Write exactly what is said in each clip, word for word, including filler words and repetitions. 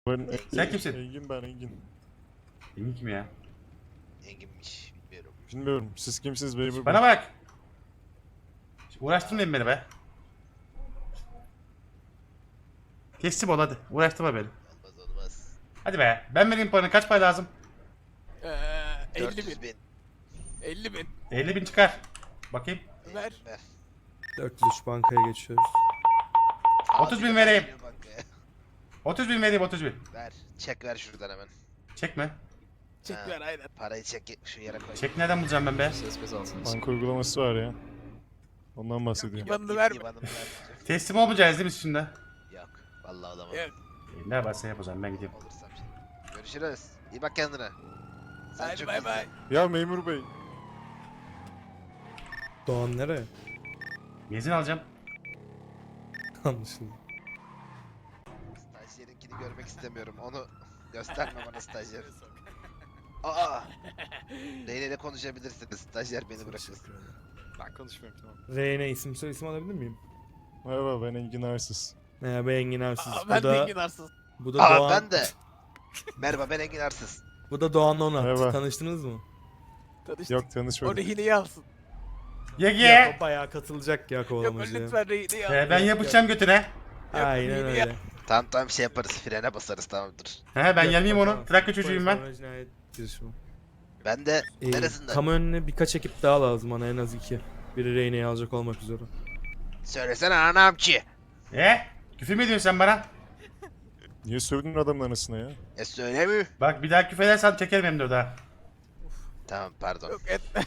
Ben, Sen kimsin? Engin ben Engin. Engin kim ya? Enginmiş bilmiyorum. Bilmiyorum. Siz kimsiniz memur Bana bey? bak. Uğraştırmayın beni be. Teslim ol hadi. Uğraştırma beni. Olmaz olmaz. Hadi be. Ben vereyim paranı. Kaç para lazım? Ee, elli dört yüz bin. bin. elli bin. elli bin çıkar. Bakayım. Ver. Ver. dört yüz üç bankaya geçiyoruz. otuz bin Abi, vereyim. geliyor bankaya. otuz bin vereyim otuz bin. Ver. Çek ver şuradan hemen. Çekme. Çek Ha. ver aynen. Parayı çek şu yere koy. Çek nereden bulacağım ben be? Banka uygulaması var ya. Ondan bahsediyorum. Yok. İbanını İp- verme. İbanını ver. Teslim olmayacağız değil mi siz şimdi? Yok. Vallahi olamam. Yok. E, ne varsa yap o zaman ben gideyim. Olursam şey. Görüşürüz. İyi bak kendine. Sen Hadi çok bay iyisin. bay. Ya memur bey. Doğan nereye? Benzin alacağım. Anlaşıldı. Stajyerinkini görmek istemiyorum. Onu gösterme bana stajyer. Aa! Reyne ile konuşabilirsiniz. Stajyer beni bırakır. Ben konuşmuyorum tamam. Reyne isim soy isim alabilir miyim? Merhaba ben Engin Arsız. Merhaba Engin Arsız. Aa, Bu ben de da, Engin Arsız. bu da Aa Doğan. ben de. Merhaba ben Engin Arsız. Bu da Doğan Onat. Merhaba. Tanıştınız mı? Tanıştık. Yok O tanışmadık. rehineyi alsın. Yege. Ya o bayağı katılacak ya Yok kovalamacıya. lütfen rehineyi al. Ee, ben yapışacağım götüne. Aynen Yok, öyle. Tamam tamam şey yaparız. Frene basarız tamamdır. He ben Yok, gelmeyeyim onu. bakamaz. Trakya çocuğuyum ben. Polis cinayet girişimi. Ben de Ee, neresinden? kamu önüne birkaç ekip daha lazım bana en az iki. Biri Reyne'yi alacak olmak üzere. Söylesene anamçı. E? Küfür mü ediyorsun sen bana? Niye sövdün adamın anasına ya? E söylemiyor. Bak bir daha küfür edersen çekerim hem de o da. Tamam pardon. Yok etme.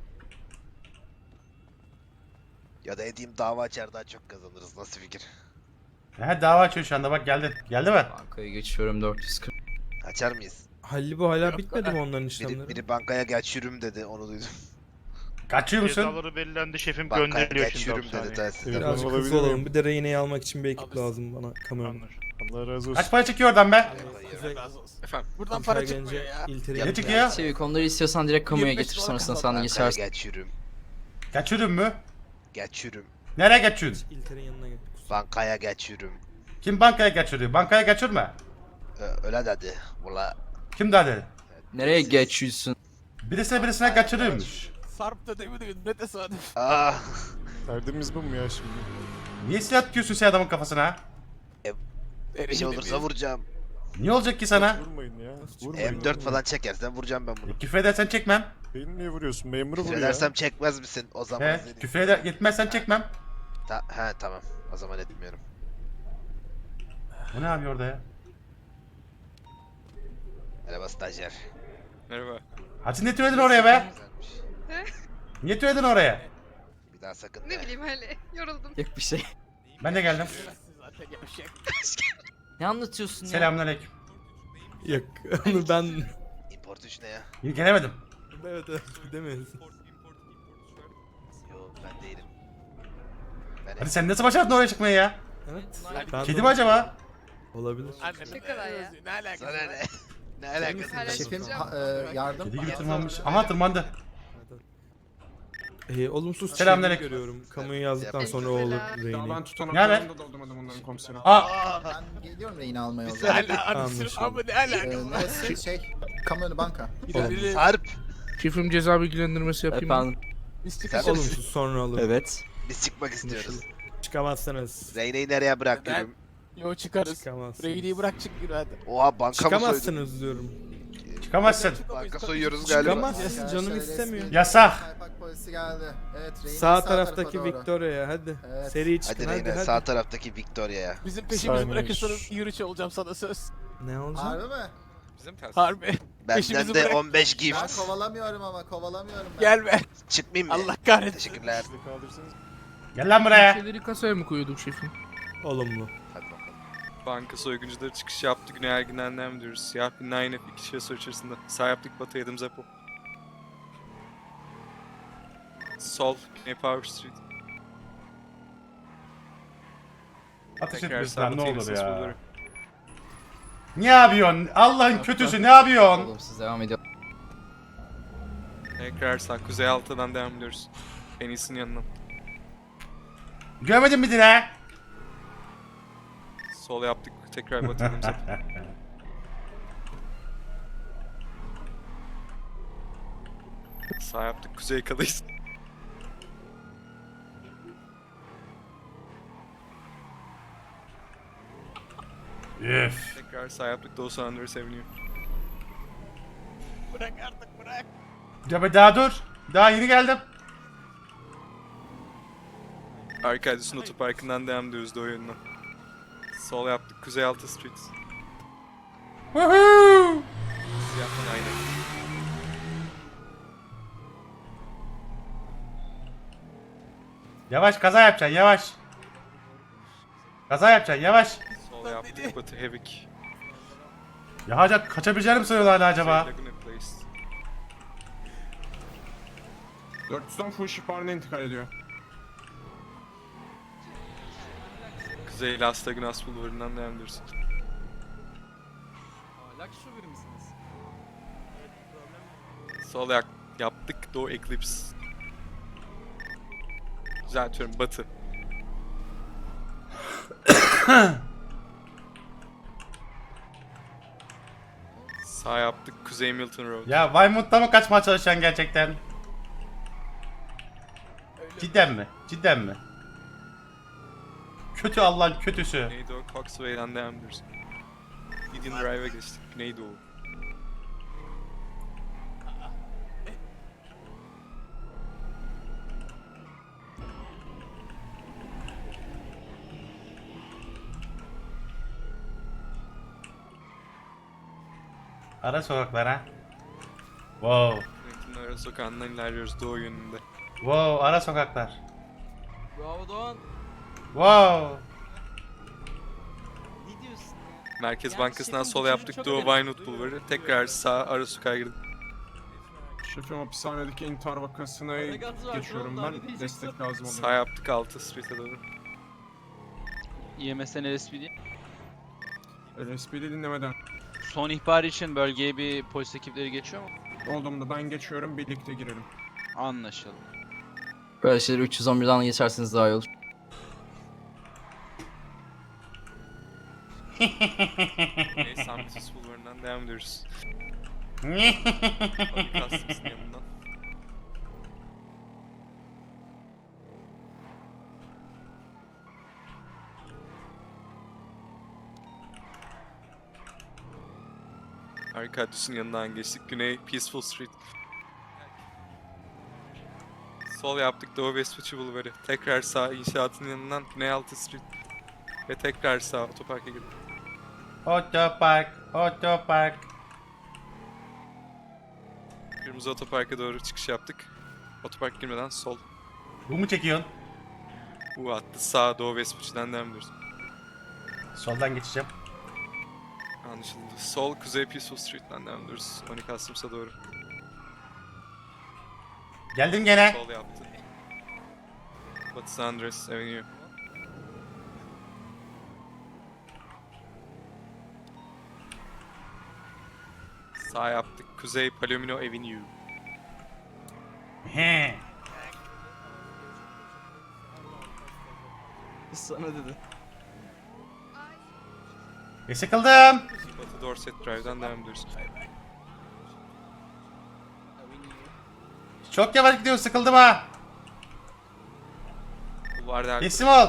Ya da edeyim dava açar daha çok kazanırız. Nasıl fikir? He dava açıyor şu anda bak geldi. Geldi mi? Bankaya geçiyorum dört yüz kırk. Açar mıyız? Halli bu hala Yok. bitmedi mi onların işlemleri? Biri, biri bankaya geç yürüm dedi onu duydum. Kaçıyor musun? Cezaları belirlendi şefim Bankaya gönderiyor geç şimdi yürüm dedi hapishaneye. telsizden. Evet. Birazcık Olabilir hızlı olalım. miyim? Bir de Reyne'yi almak için bir ekip Abi, lazım bana kamu önüne. Anlar. Allah razı olsun. Kaç para çıkıyor oradan be? Kuzey- Razı olsun. Efendim. Buradan Ankara para gelince çıkmıyor ya. İlteri'ye Ne çıkıyor? Çevik onları istiyorsan direkt kamuya yirmi beş getir dolar sonrasında kaldı. sen de Bankaya geçersin. geç yürüm. Kaçırın mü? Geç yürüm. Nereye kaçıyorsun? İlteri'nin yanına gel. Bankaya geç yürüm. Kim bankaya kaçırıyor? Bankaya kaçırma. Ö- öyle dedi. Valla. Kim daha dedi? Nereye geçiyorsun? Birisine birisine kaçırıyormuş. Sarp da demin demin ne tesadüf. Aa. Derdimiz bu mu ya şimdi? Niye silah tutuyorsun sen adamın kafasına? Bir şey olursa vuracağım. Niye olacak ki sana? Vurmayın ya. Vurmayın. M dört falan çekersen vuracağım ben bunu. E, küfür edersen çekmem. Beni niye vuruyorsun? Memuru vur ya. Söylersem çekmez misin? O zaman He, seni- küfür eder, yetmezsen çekmem. Ta- he tamam. O zaman etmiyorum. Bu ne yapıyor orada ya? Merhaba stajyer. Merhaba. Hadi ne tüyedin oraya be? Güzelmiş. Niye tüyedin oraya? Bir daha sakın Ne de. bileyim öyle yoruldum. Yok bir şey. Ben de geldim. Zaten yavşak. Ne anlatıyorsun ya? Selamünaleyküm. Yok onu ben... Import üç ne ya? İyi gelemedim. evet evet demeyiz. Yo ben değilim. Ben Hadi sen nasıl başardın oraya çıkmayı ya? Evet. Kedi de- mi acaba? Olabilir. Annemin Ne kadar ya? özü, Ne alakası Sana var? ne? Ne alakası var? Şefim, yardım. Kedi gibi tırmanmış. Aha tırmandı. Ee, olumsuz Selamünaleyküm. çeviri görüyorum. Kamuyu yazdıktan sonra o olur Reyne'yi. Ben Ne haber? tutanaklarını da doldurmadım onların komisyonu. Aa! Ben geliyorum reyini almaya o Ne zaman. alakası Anlaşıldı. ama ne Ee, alakası var? neresi? Şey, kamu önü banka. Olumsuz. Sarp. Şefim ceza bilgilendirmesi yapayım mı? Efendim. Biz Sen çıkacağız. Olumsuz sonra alır. Evet. Biz çıkmak istiyoruz. Çıkamazsınız. Reyne'yi nereye Ben- bırakıyorum? Yo çıkarız. Çıkamazsınız. Rehineyi bırak çık yürü hadi. Oha banka mı soydun? Çıkamazsınız diyorum. Çıkamazsın. Banka soyuyoruz galiba. Çıkamazsın canım istemiyor. Yasak. Kaypak polisi geldi. Evet, reyini Sağ tarafa taraftaki doğru. Victoria'ya hadi. Evet. Seri çıkın Hadi hadi Reyne hadi. sağ taraftaki Victoria'ya. Bizim peşimizi Saniye. bırakırsanız yürüyüş olacağım sana söz. Ne olacak? Harbi mi? Harbi. Benden Peşimizi de bırak. on beş Ben gift. kovalamıyorum ama kovalamıyorum ben. Gelme. Çıkmayayım mı? Allah kahretsin. Teşekkürler. Siz de kaldırsanız. Gel lan buraya. Şeyleri kasaya mı koyuyorduk şefim? Olumlu. Hadi bakalım. Banka soyguncuları çıkış yaptı. Güney Ergin'den mi diyoruz? Siyah bir nine F iki şahıs içerisinde. Sağ yaptık batı yedim Zepo. Sol Güney Power Street. Ateş Tekrar etmesin lan ne sabotayı olur ses ya. buluyorum. Ne yapıyorsun? Allah'ın kötüsü ne yapıyorsun? Olumsuz devam ediyor. Tekrar sağ Kuzey altıdan devam ediyoruz. En iyisinin yanına. Görmedin mi Dine? Sol yaptık. Tekrar batı yedim Zepo. Sağ yaptık. Kuzey kalıyız. Üf. Tekrar sağ yaptık. Doğu San Andreas Avenue. Bırak artık bırak. Ya daha dur. Daha yeni geldim. Arkadius'un otoparkından devam ediyoruz doğu yönüne. Sol yaptık. Kuzey altı Street. Woohoo! Siyahtan aynen. Yavaş kaza yapacaksın yavaş. Kaza yapacaksın yavaş. Sol yaptık. Batı Hevik. Ya hacı kaçabileceğini mi sanıyorsun hala acaba? Laguna Place. dört yüzden full ship haline intikal ediyor. Kuzey Las Lagunas Bulvarı'ndan devam ediyoruz. Sol yak yaptık. Doğu Eclipse. Düzeltiyorum. Batı. Sağ yaptık. Kuzey Milton Road. Ya Weymouth'ta mı kaçmaya çalışacaksın gerçekten? Cidden mi? Cidden mi? Kötü Allah'ın kötüsü. Güneydoğu Coxway'den devam ediyoruz. Gideon Drive'a geçtik. Güneydoğu. Ara sokaklara. Wow. Yönetimler ara sokağından ilerliyoruz doğu yönünde. Wow, ara sokaklar. Bravo Doğan. Wow. Ne diyorsun ya? Merkez Yani Bankası'ndan şefim, sol bu çocuk yaptık. çok Doğu önemli. Vinewood Bulvarı. Tekrar sağ ara sokağa girdik. Şefim hapishanedeki intihar vakasına geçiyorum ben. Destek lazım oluyor. Sağ yaptık altı Street'e doğru. E M S'den L S P D. L S P'de dinlemeden. Son ihbar için bölgeye bir polis ekipleri geçiyor mu? Olduğumda ben geçiyorum, birlikte girelim. Anlaşıldı. Böyle şeyleri üç yüz on birden geçerseniz daha iyi olur. Güney San Francisco Bulvarı'ndan devam ediyoruz. Public Customs'ın yanından. Arkadius'un yanından geçtik. Güney Peaceful Street. Sol yaptık Doğu Vespucci Bulvarı. Tekrar sağ inşaatın yanından Güney altı Street. Ve tekrar sağ otoparka girdik. Otopark, otopark. Kırmızı otoparka doğru çıkış yaptık. Otopark girmeden sol. Bu mu çekiyorsun? Bu attı sağ Doğu Vespucci'den devam ediyoruz. Soldan geçeceğim. Anlaşıldı. Sol Kuzey Peaceful Street'ten devam ediyoruz. Money Customs'a doğru. Geldim gene. Sol yaptı. Batı San Andreas Avenue. Sağ yaptık. Kuzey Palomino Avenue. He. Sana dedi. E sıkıldım. Batı Dorset Drive'dan devam ediyoruz. Çok yavaş gidiyorsun, sıkıldım ha. Bulvarda Teslim ol.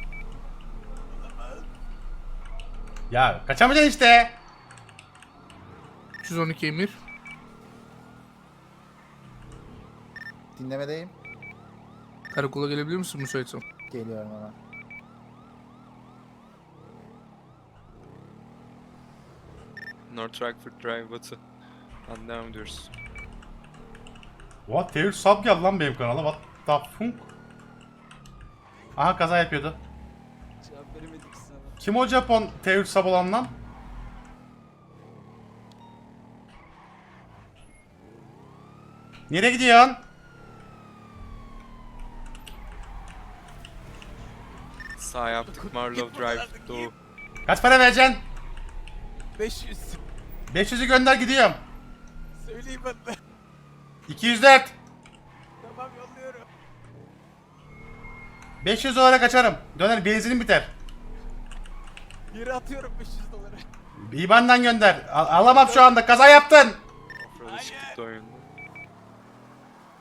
Ya kaçamayacaksın işte. üç yüz on iki emir. Dinlemedeyim. Karakola gelebilir misin müsaitsen? Geliyorum ama. North Rockford Drive Batı. Dan devam ediyoruz. What? Tevhid sub geldi lan benim kanala. What the funk? Aha kaza yapıyordu. Cevap veremedik sana. Kim o Japon Tevhid sub olan lan? Nereye gidiyorsun? Sağ yaptık Marlow Drive Doğu. Kaç para vereceksin? beş yüz. beş yüzü gönder gidiyorum. Söyleyeyim ben de. iki yüz dört. Tamam yolluyorum. beş yüz dolara kaçarım. Döner benzinim biter. Yere atıyorum beş yüz doları. İban'dan gönder. Al- alamam şu anda. Kaza yaptın. Offroad'a çıktık doğu yönünde.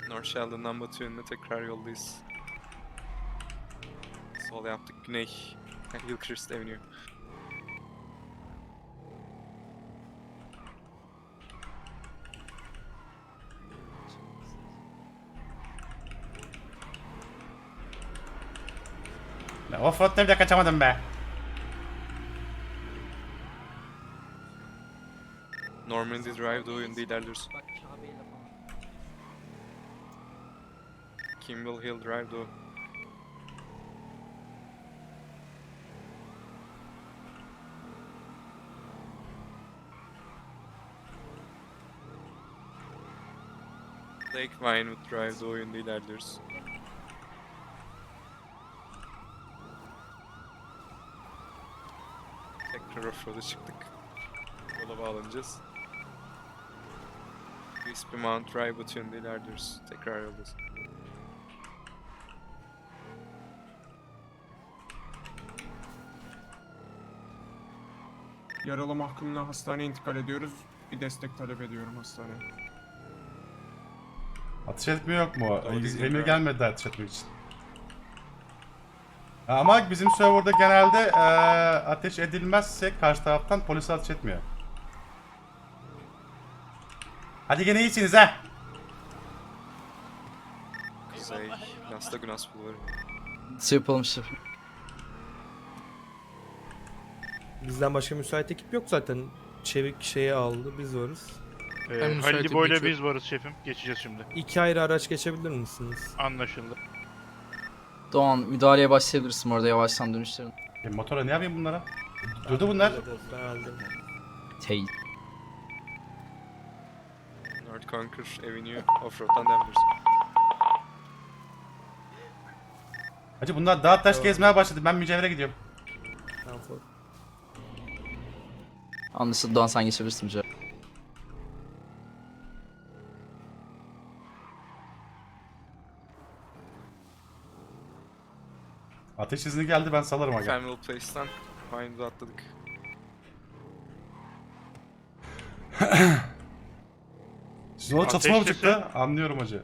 North Sheldon'dan batı yönüne tekrar yoldayız. Sol yaptık güney. Hillcrest Avenue. Ya offroad'da bile kaçamadım be. Normandy Drive doğu yönünde ilerliyoruz. Kimball Hill Drive doğu. Lake Vinewood Drive doğu yönünde ilerliyoruz. Tekrar offroad'a çıktık. Yola bağlanacağız. Crispy Mount Drive batı yönünde ilerliyoruz. Tekrar yoldayız. Yaralı mahkumla hastaneye intikal ediyoruz. Bir destek talep ediyorum hastaneye. Ateş etme yok mu? Doğru düzgün Emir karar. gelmedi ateş etmek için. Ha, ama bizim serverda genelde eee, ateş edilmezse karşı taraftan polis ateş etmiyor. Hadi gene iyisiniz ha. Kuzey, Las Lagunas Bulvarı. Şey yapalım şefim. Bizden başka müsait ekip yok zaten. Çevik şeyi aldı, biz varız. Ben Ee, müsaitim, Halil Boy'la geçiyorum. biz varız şefim. Geçeceğiz şimdi. İki ayrı araç geçebilir misiniz? Anlaşıldı. Doğan müdahaleye başlayabilirsin orada yavaştan dönüşlerin. E, motora ne yapayım bunlara? Durdu bunlar. Ben aldım. Hey. North Conquer Avenue Offroad'dan devam ediyoruz. Hacı bunlar dağ taş Tamam. gezmeye başladı. Ben mücevhere gidiyorum. Tamam, for- Anlaşıldı Doğan, sen geçebilirsin mücadele. Ateş izni geldi, ben salarım aga. Faneuil Place'dan Vinewood'a atladık. Siz o Ateş çatışma mı sesi. çıktı? Anlıyorum hacı.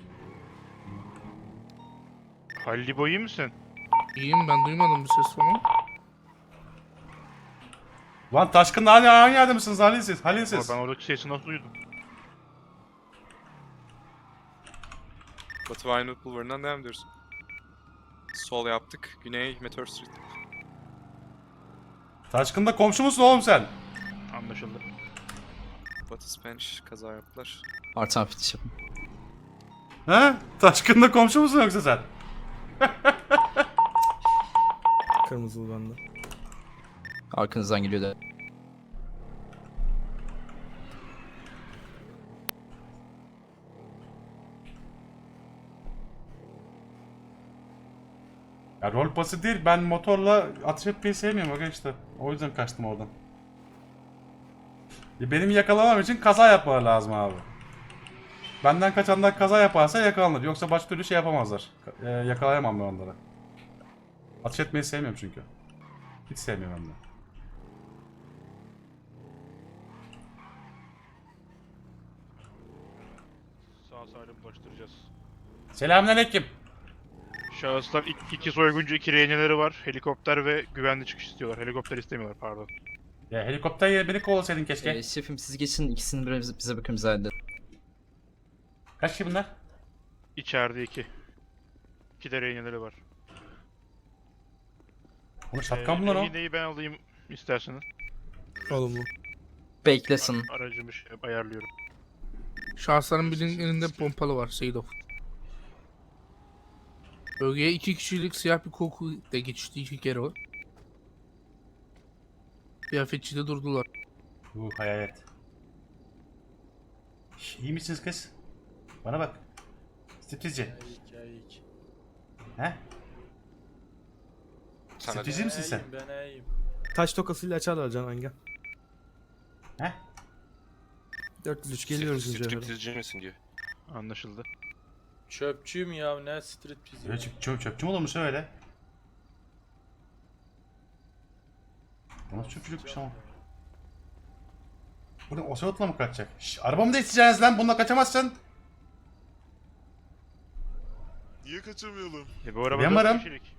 Halil Boy iyi misin? İyiyim, ben duymadım bir ses falan. Lan Taşkın'la aynı, aynı yerde misiniz? Halil siz. Halil Ama siz. ben oradaki sesi nasıl duydum? Batı Vinewood Bulvarı'ndan devam ediyoruz. Sol yaptık. Güney Meteor Street. Taşkın'da komşu musun oğlum sen? Anlaşıldı. Batı Spanish kaza yaptılar. Artan fitiş yapın. He? Taşkın'da komşu musun yoksa sen? Kırmızılı bende. Arkanızdan geliyor da. Ya rol pası değil, ben motorla ateş etmeyi sevmiyorum aga işte. O yüzden kaçtım oradan. Ya benim yakalamam için kaza yapmaları lazım abi. Benden kaçanlar kaza yaparsa yakalanır. Yoksa başka türlü şey yapamazlar. Ee, yakalayamam ben onları. Ateş etmeyi sevmiyorum çünkü. Hiç sevmiyorum hem de. Sağ salim ulaştıracağız. Selamünaleyküm. Şahıslar iki, iki soyguncu, iki rehineleri var. Helikopter ve güvenli çıkış istiyorlar. Helikopter istemiyorlar, pardon. Ya helikopter yerine beni kovalasaydın keşke. Ee, şefim siz geçin, ikisini bize, bize bakın bize halledelim. Kaç kişi bunlar? İçeride iki. İki de rehineleri var. Bunu şatkan bunlar o. Rehineyi ben alayım isterseniz. Olumlu. Beklesin. Aracımı şey, ayarlıyorum. Şahısların birinin elinde pompalı var, Seydoff. Bölgeye iki kişilik siyah bir koku da geçti iki kere o. Kıyafetçide durdular. Bu hayalet. Şş, İyi misiniz kız? Bana bak. Striptizci. He? Sana Striptizci misin sen? Taş tokasıyla açarlar Canan gel. He? dört yüz üç geliyoruz mücevhere. Striptizci misin diyor. Anlaşıldı. Çöpçüyüm ya, ne striptiz Öyle çöp, çöp, çöpçü mü olurmuş öyle? Bu nasıl çöpçülükmüş ama? Buradan Ocelot'la mı kaçacak? Şş, arabamı da isteyeceksiniz lan, bununla kaçamazsın. Niye kaçamayalım? E bu araba Ben dört varım. kişilik.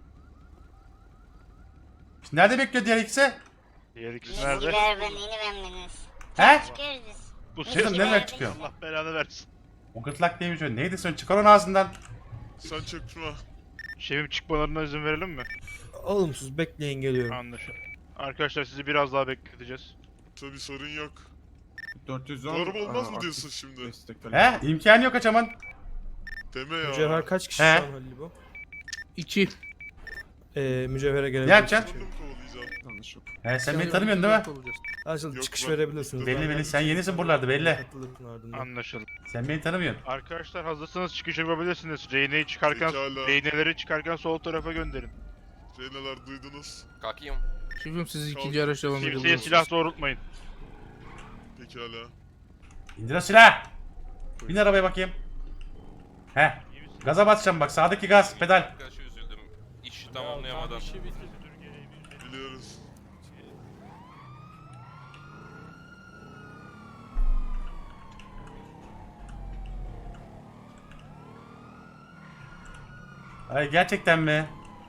Nerede bekliyor diğer ikisi? Diğer ikisi nerede? He? Bu Kızım ses nereden çıkıyor? Allah belanı versin. O gırtlak neymiş öyle? Neydi sen? Çıkar onu ağzından. Sen çökme. Şefim çıkmalarına izin verelim mi? Olumsuz bekleyin geliyorum. Anlaşıldı. Arkadaşlar sizi biraz daha bekleteceğiz. Tabii sorun yok. dört yüz on. Doğru mu olmaz mı diyorsun şimdi? He? İmkanı yok kaçaman. Deme ya. Mücevher kaç kişi He. şu an Halil bu? İki. Ee, mücevhere gelebilir. Ne yapacaksın? Bunu mu kovalayacağım? Anlaşıldı. He sen beni tanımıyorsun değil mi? Açıl Yok, çıkış ben- verebilirsiniz. Belli belli, sen yenisin buralarda, belli. Katılırsın ardından. Anlaşıldı. Sen beni tanımıyorsun. Arkadaşlar hazırsanız çıkış yapabilirsiniz. Reyneyi çıkarken, Pekala. reyneleri çıkarken sol tarafa gönderin. Reyneler duydunuz. Kalkayım. Şefim siz ikinci araçla devam Kimseye edebilirsiniz. silah doğrultmayın. Pekala. İndir o silahı. Bin arabaya bakayım. He. Gaza basacağım bak, sağdaki gaz, pedal. Arkadaşı üzüldüm. İşi tamamlayamadan. Biliyoruz. Ay gerçekten mi?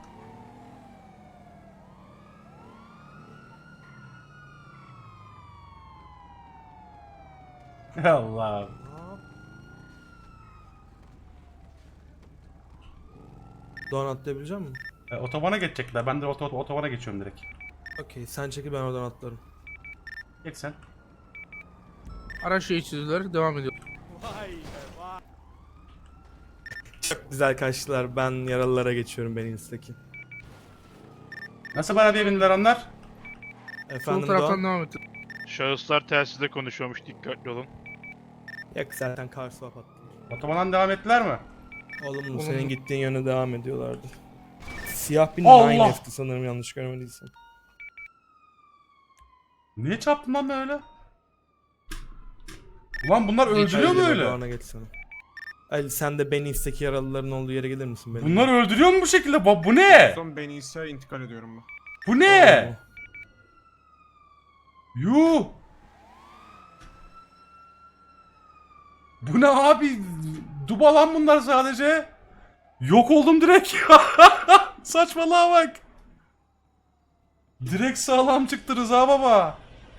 Allah. Doğan atlayabilecek misin? E, otobana geçecekler. Ben de oto otobana geçiyorum direkt. Okey sen çekil ben oradan atlarım. Geç sen. Araç geçirdiler, devam ediyor. Çok güzel kaçtılar. Ben yaralılara geçiyorum beni instaki. Nasıl arabaya bindiler onlar? Sol Efendim taraftan Doğan? devam et. Şahıslar telsizde konuşuyormuş, dikkatli olun. Yok zaten car swap attım. Otobandan devam ettiler mi? Olumlu Olumlu. senin gittiğin yöne devam ediyorlardı. Siyah bir Allah! nine F'ti sanırım yanlış görmediysem. Niye çarptın lan öyle? Ulan bunlar öldürüyor mu Ali, öyle? Doğan'a geçsene. Ali sen de beni isteki yaralıların olduğu yere gelir misin benim? Bunlar öldürüyor mu bu şekilde? Ba- Bu ne? Son beni ise intikal ediyorum ben. Bu ne? Yuh! Bu ne abi? Duba lan bunlar sadece. Yok oldum direkt. Saçmalığa bak. Direkt sağlam çıktı Rıza baba.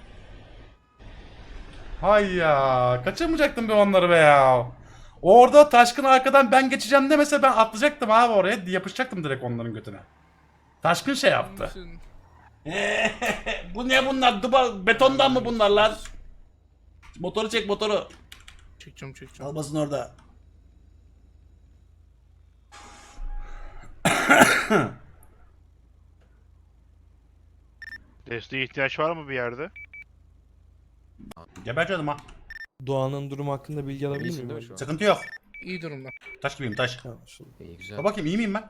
Hay ya. Kaçırmayacaktım ben onları be ya. Orada Taşkın arkadan ben geçeceğim demese ben atlayacaktım abi oraya. Yapışacaktım direkt onların götüne. Taşkın şey yaptı. Bu ne bunlar? Duba betondan mı bunlar lan? Motoru çek motoru. Çekeceğim çekeceğim. Kalmasın orada. Desteğe ihtiyaç var mı bir yerde? Geber canım ha. Doğan'ın durumu hakkında bilgi alabilir miyim? acaba? Sıkıntı yok. İyi durumda. Taş gibiyim taş. Tamam, şurada. İyi güzel. Bak bakayım iyi miyim ben?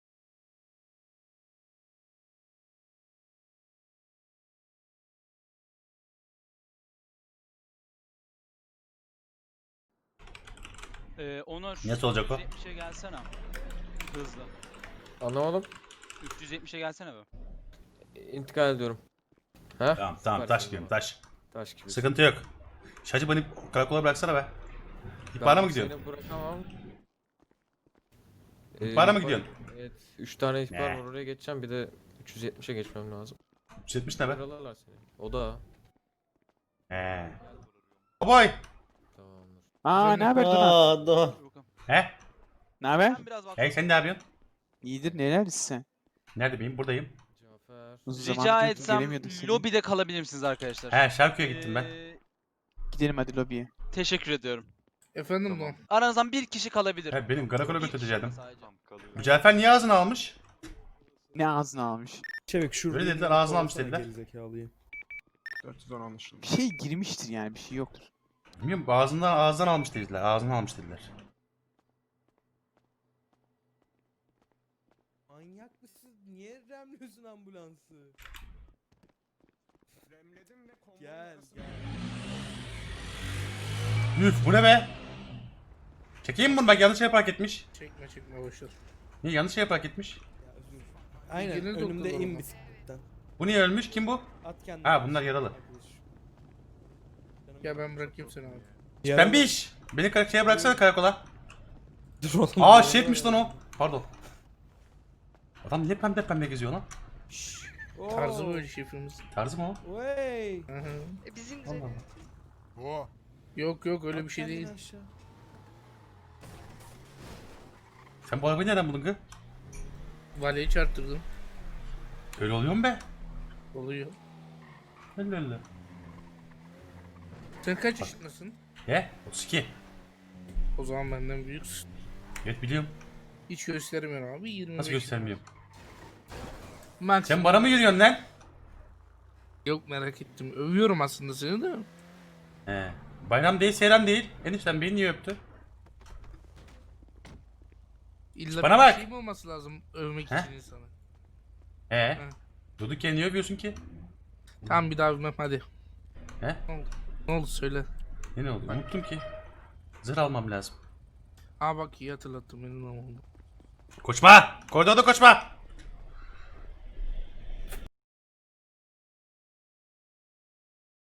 Ee, Onur. Nasıl olacak o? üç yüz yetmişe gelsene. Hızlı. Anlamadım. üç yüz yetmişe gelsene be. İntikal ediyorum. He? Tamam tamam taş gibiyim taş. Taş gibi. Sıkıntı yok. Şacı beni karakola bıraksana be. İhbara mı gidiyorsun? Seni bırakamam. İhbara mı ihbar- gidiyorsun? Evet. üç tane ihbar Ne? var, oraya geçeceğim. Bir de üç yüz yetmişe geçmem lazım. üç yüz yetmiş ne be? Yaralarlar seni. O da. He. Boy. Tamamdır. Aa, ne haber Dur bakalım. He? Ne haber? Ben biraz Hey sen ne yapıyorsun? İyidir, neredesin sen? Nerede miyim? Buradayım. Cafer. Rica etsem lobide kalabilir misiniz arkadaşlar? He Şarköy'e gittim ben. Ee, Gidelim hadi lobiye. Teşekkür ediyorum. Efendim Doğan. Aranızdan bir kişi kalabilir. He benim karakola Bir kişi götüreceğim. sadece. Mücevher niye ağzını almış? Ne ağzına almış? Çevik şurada. Öyle dediler, ağzına almış Kovalasana dediler. gerizekalıyı. dört yüz on anlaşıldı. Bir şey girmiştir yani, bir şey yoktur. Bilmiyorum ağzından ağzından almış dediler. Ağzından almış dediler. Manyak mısın? Niye remliyorsun ambulansı? Remledim ve konvoyu Gel nasıl- gel. Üf bu ne be? Çekeyim mi bunu bak yanlış yere park etmiş. Çekme çekme boşver. Niye yanlış yere park etmiş? Ya, özür. Aynen İlgili önümde doktor in olma. bisikletten. Bu niye ölmüş? Kim bu? At kendini. Ha bunlar yaralı. Gel ben bırakayım seni abi. Ben bir iş. Beni kar- şeye bıraksana karakola. Dur oğlum. Aa şefmiş lan o. Pardon. Adam niye pembe pembe geziyor lan? Tarzı böyle şefimiz. Tarzı mı o? Hı hı. E bizim Allah de. Allah. Yok yok öyle bir şey değil. Sen bu arabayı nereden buldun kız? Valeyi çarptırdım. Öyle oluyor mu be? Oluyor. Öyle öyle. Sen kaç yaşındasın? He? otuz iki. O zaman benden büyüksün. Evet biliyorum. Hiç göstermiyor abi. yirmi beş. Nasıl göstermiyorum? Max. Sen bana mı yürüyorsun lan? Yok merak ettim. Övüyorum aslında seni de. He. Bayram değil, seyran değil. Enişten beni niye öptü? İlla Bana bir bak. şey mi olması lazım övmek He? için insana? He. He. Durduk yere niye öpüyorsun ki? Tamam bir daha bilmem hadi. He? Ne oldu? Ne oldu söyle. Ne ne oldu? Unuttum ki. Zırh almam lazım. Aa bak iyi hatırlattım benim oldu. Koşma! Koridorda koşma!